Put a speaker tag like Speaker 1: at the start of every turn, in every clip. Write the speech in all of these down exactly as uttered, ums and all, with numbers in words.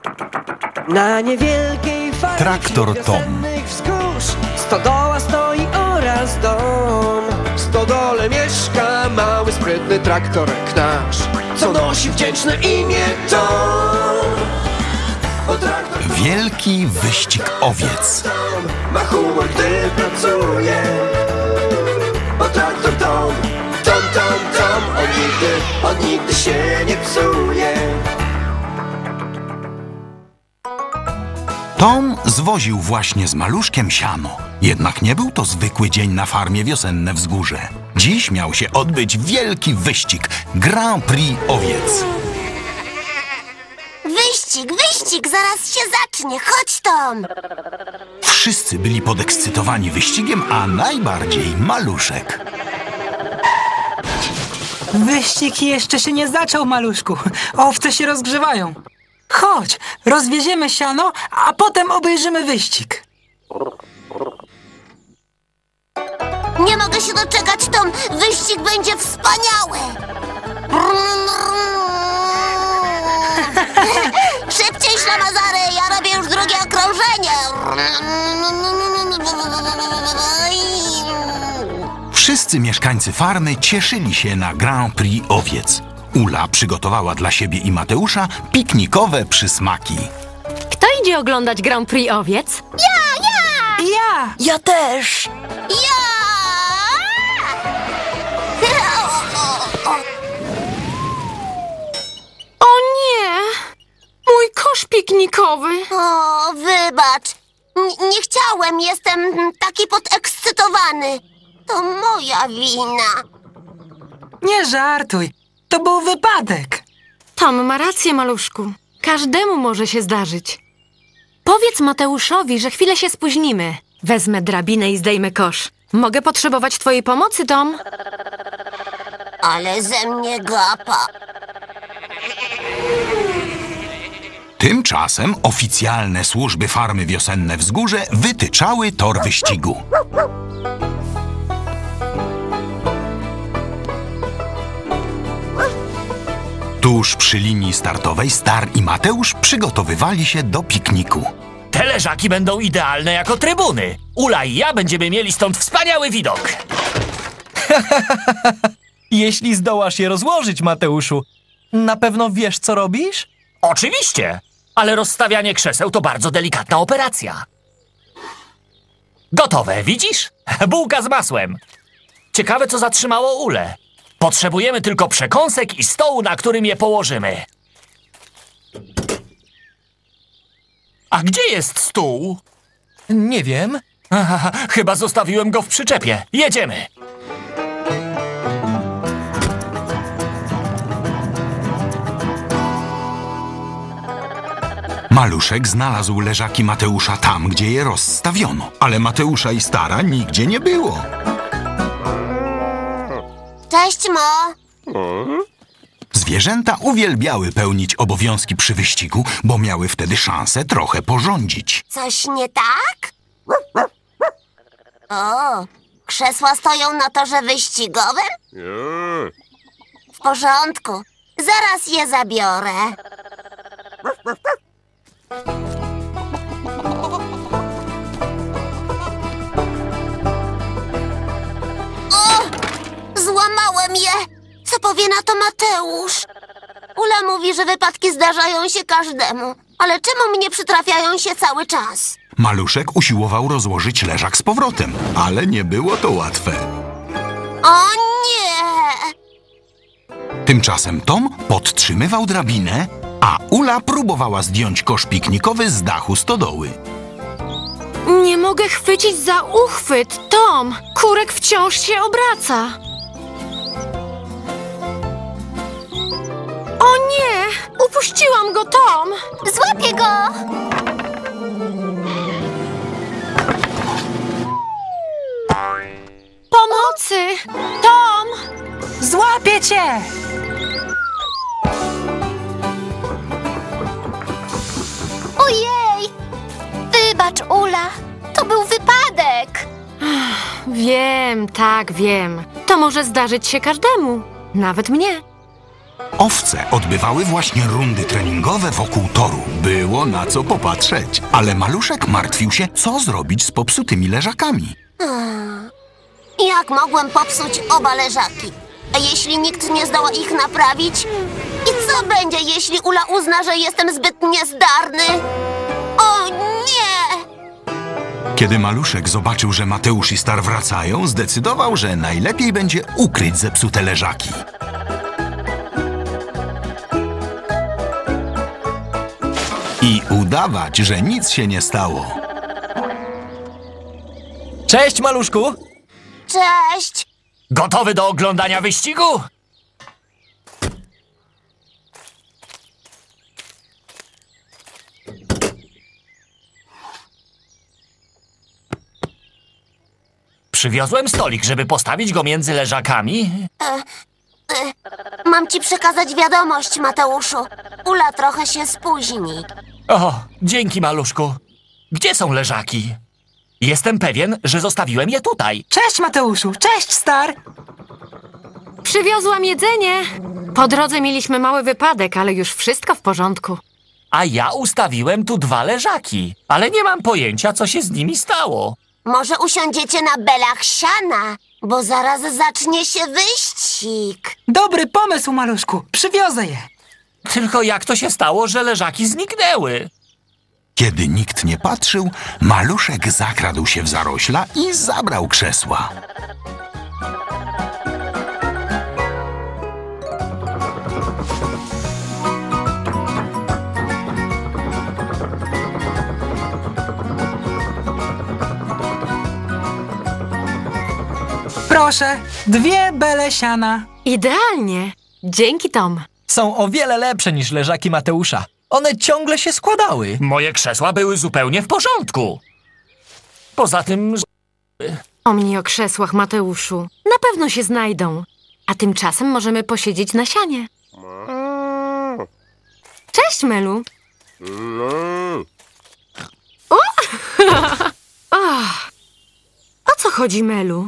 Speaker 1: Na niewielkiej farmie
Speaker 2: Traktor Tom.
Speaker 1: wzgórz stodoła stoi oraz dom. W stodole mieszka mały, sprytny traktorek nasz, co nosi wdzięczne imię Tom. Bo traktor
Speaker 2: Wielki wyścig owiec.
Speaker 1: Tom ma humor, gdy pracuje. Bo traktor Tom, Tom, Tom, Tom, on nigdy, on nigdy się nie psuje.
Speaker 2: Tom zwoził właśnie z Maluszkiem siano. Jednak nie był to zwykły dzień na farmie Wiosenne Wzgórze. Dziś miał się odbyć wielki wyścig, Grand Prix owiec.
Speaker 3: Wyścig, wyścig, zaraz się zacznie. Chodź, Tom.
Speaker 2: Wszyscy byli podekscytowani wyścigiem, a najbardziej Maluszek.
Speaker 4: Wyścig jeszcze się nie zaczął, Maluszku. Owce się rozgrzewają. Chodź, rozwieziemy siano, a potem obejrzymy wyścig.
Speaker 3: Nie mogę się doczekać, Tom. Wyścig będzie wspaniały. Szybciej, ślamazary, ja robię już drugie okrążenie.
Speaker 2: Wszyscy mieszkańcy farmy cieszyli się na Grand Prix owiec. Ula przygotowała dla siebie i Mateusza piknikowe przysmaki.
Speaker 5: Kto idzie oglądać Grand Prix owiec?
Speaker 3: Ja, ja!
Speaker 4: Ja!
Speaker 6: Ja też!
Speaker 3: Ja!
Speaker 5: O nie! Mój kosz piknikowy!
Speaker 3: O, wybacz. N- nie chciałem, jestem taki podekscytowany. To moja wina.
Speaker 4: Nie żartuj, to był wypadek.
Speaker 5: Tom ma rację, maluszku. Każdemu może się zdarzyć. Powiedz Mateuszowi, że chwilę się spóźnimy. Wezmę drabinę i zdejmę kosz. Mogę potrzebować twojej pomocy, Tom?
Speaker 3: Ale ze mnie gapa.
Speaker 2: Tymczasem oficjalne służby farmy Wiosenne Wzgórze wytyczały tor wyścigu. Tuż przy linii startowej Star i Mateusz przygotowywali się do pikniku.
Speaker 7: Te leżaki będą idealne jako trybuny. Ula i ja będziemy mieli stąd wspaniały widok.
Speaker 8: Jeśli zdołasz je rozłożyć, Mateuszu, na pewno wiesz, co robisz?
Speaker 7: Oczywiście, ale rozstawianie krzeseł to bardzo delikatna operacja. Gotowe, widzisz? Bułka z masłem. Ciekawe, co zatrzymało Ulę. Potrzebujemy tylko przekąsek i stołu, na którym je położymy. A gdzie jest stół?
Speaker 8: Nie wiem.
Speaker 7: Aha, chyba zostawiłem go w przyczepie. Jedziemy.
Speaker 2: Maluszek znalazł leżaki Mateusza tam, gdzie je rozstawiono, ale Mateusza i Stara nigdzie nie było.
Speaker 3: Cześć, Mo.
Speaker 2: Zwierzęta uwielbiały pełnić obowiązki przy wyścigu, bo miały wtedy szansę trochę porządzić.
Speaker 3: Coś nie tak? O, krzesła stoją na torze wyścigowym? W porządku. Zaraz je zabiorę. O! Złamałem je! Co powie na to Mateusz? Ula mówi, że wypadki zdarzają się każdemu. Ale czemu mnie przytrafiają się cały czas?
Speaker 2: Maluszek usiłował rozłożyć leżak z powrotem, ale nie było to łatwe.
Speaker 3: O nie!
Speaker 2: Tymczasem Tom podtrzymywał drabinę, a Ula próbowała zdjąć kosz piknikowy z dachu stodoły.
Speaker 5: Nie mogę chwycić za uchwyt, Tom! Kurek wciąż się obraca. O nie! Upuściłam go, Tom!
Speaker 3: Złapię go!
Speaker 5: Pomocy! Tom!
Speaker 4: Złapię cię!
Speaker 3: Ojej! Wybacz, Ula. To był wypadek.
Speaker 5: Wiem, tak, wiem. To może zdarzyć się każdemu. Nawet mnie.
Speaker 2: Owce odbywały właśnie rundy treningowe wokół toru. Było na co popatrzeć. Ale Maluszek martwił się, co zrobić z popsutymi leżakami.
Speaker 3: Jak mogłem popsuć oba leżaki? A jeśli nikt nie zdoła ich naprawić? I co będzie, jeśli Ula uzna, że jestem zbyt niezdarny? O nie!
Speaker 2: Kiedy Maluszek zobaczył, że Mateusz i Star wracają, zdecydował, że najlepiej będzie ukryć zepsute leżaki. I udawać, że nic się nie stało.
Speaker 8: Cześć, Maluszku!
Speaker 3: Cześć!
Speaker 7: Gotowy do oglądania wyścigu? Przywiozłem stolik, żeby postawić go między leżakami.
Speaker 3: Mam ci przekazać wiadomość, Mateuszu. Ula trochę się spóźni.
Speaker 7: O, dzięki, Maluszku. Gdzie są leżaki? Jestem pewien, że zostawiłem je tutaj.
Speaker 4: Cześć, Mateuszu! Cześć, Star!
Speaker 5: Przywiozłam jedzenie. Po drodze mieliśmy mały wypadek, ale już wszystko w porządku.
Speaker 7: A ja ustawiłem tu dwa leżaki, ale nie mam pojęcia, co się z nimi stało.
Speaker 3: Może usiądziecie na belach siana, bo zaraz zacznie się wyścig.
Speaker 4: Dobry pomysł, Maluszku! Przywiozę je!
Speaker 7: Tylko jak to się stało, że leżaki zniknęły?
Speaker 2: Kiedy nikt nie patrzył, Maluszek zakradł się w zarośla i zabrał krzesła.
Speaker 4: Proszę, dwie bele siana.
Speaker 5: Idealnie. Dzięki, Tom.
Speaker 8: Są o wiele lepsze niż leżaki Mateusza. One ciągle się składały.
Speaker 7: Moje krzesła były zupełnie w porządku. Poza tym...
Speaker 5: Pomnij o krzesłach, Mateuszu. Na pewno się znajdą. A tymczasem możemy posiedzieć na sianie. Cześć, Melu. O! O! O co chodzi, Melu?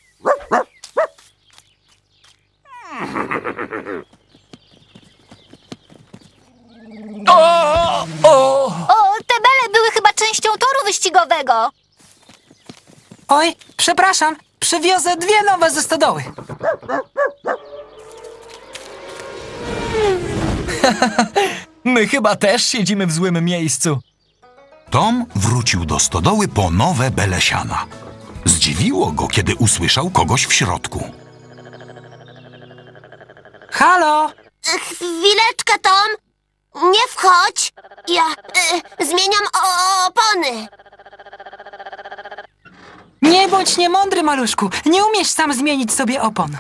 Speaker 7: O! O!
Speaker 6: O, te bele były chyba częścią toru wyścigowego.
Speaker 4: Oj, przepraszam, przywiozę dwie nowe ze stodoły.
Speaker 8: My chyba też siedzimy w złym miejscu.
Speaker 2: Tom wrócił do stodoły po nowe bele siana. Zdziwiło go, kiedy usłyszał kogoś w środku.
Speaker 4: Halo?
Speaker 3: Chwileczkę, Tom. Nie wchodź. Ja y, zmieniam o- opony.
Speaker 4: Nie bądź niemądry, Maluszku. Nie umiesz sam zmienić sobie opon.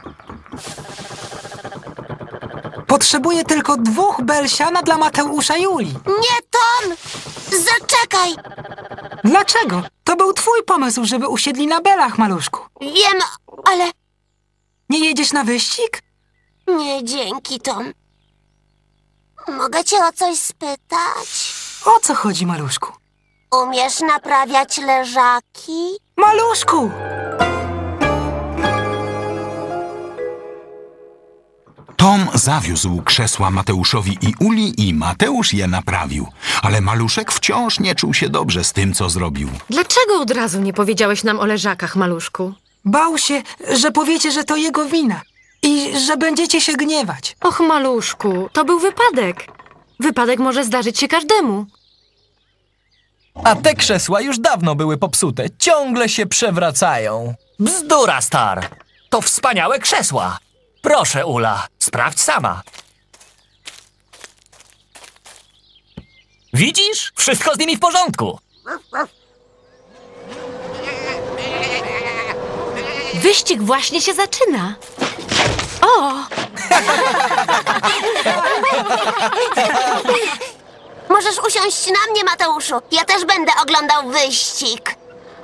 Speaker 4: Potrzebuję tylko dwóch bel siana dla Mateusza i Uli.
Speaker 3: Nie, Tom. Zaczekaj.
Speaker 4: Dlaczego? To był twój pomysł, żeby usiedli na belach, Maluszku.
Speaker 3: Wiem, ale
Speaker 4: Nie jedziesz na wyścig?
Speaker 3: nie dzięki, Tom. Mogę cię o coś spytać?
Speaker 4: O co chodzi, Maluszku?
Speaker 3: Umiesz naprawiać leżaki?
Speaker 4: Maluszku!
Speaker 2: Tom zawiózł krzesła Mateuszowi i Uli i Mateusz je naprawił. Ale Maluszek wciąż nie czuł się dobrze z tym, co zrobił.
Speaker 5: Dlaczego od razu nie powiedziałeś nam o leżakach, Maluszku?
Speaker 4: Bał się, że powiecie, że to jego wina i że będziecie się gniewać.
Speaker 5: Och, Maluszku, to był wypadek. Wypadek może zdarzyć się każdemu.
Speaker 8: A te krzesła już dawno były popsute. Ciągle się przewracają.
Speaker 7: Bzdura, Star. To wspaniałe krzesła. Proszę, Ula, sprawdź sama. Widzisz? Wszystko z nimi w porządku.
Speaker 5: Wyścig właśnie się zaczyna. O!
Speaker 3: Możesz usiąść na mnie, Mateuszu. Ja też będę oglądał wyścig.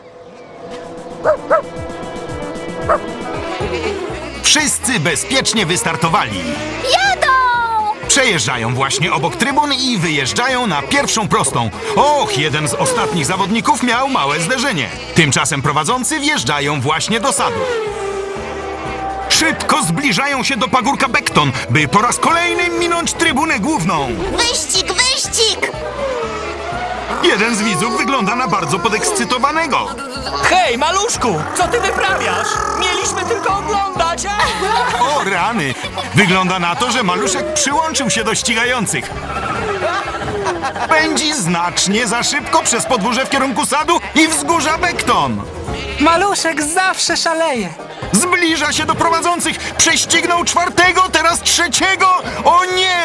Speaker 2: Wszyscy bezpiecznie wystartowali.
Speaker 6: Jadą!
Speaker 2: Przejeżdżają właśnie obok trybun i wyjeżdżają na pierwszą prostą. Och, jeden z ostatnich zawodników miał małe zderzenie. Tymczasem prowadzący wjeżdżają właśnie do sadu. Szybko zbliżają się do pagórka Bekton, by po raz kolejny minąć trybunę główną.
Speaker 3: Wyścig, wyścig!
Speaker 2: Jeden z widzów wygląda na bardzo podekscytowanego.
Speaker 7: Hej, Maluszku, co ty wyprawiasz? Mieliśmy tylko oglądać, a?
Speaker 2: O rany! Wygląda na to, że Maluszek przyłączył się do ścigających. Pędzi znacznie za szybko przez podwórze w kierunku sadu i wzgórza Bekton.
Speaker 4: Maluszek zawsze szaleje.
Speaker 2: Zbliża się do prowadzących. Prześcignął czwartego, teraz trzeciego. O nie!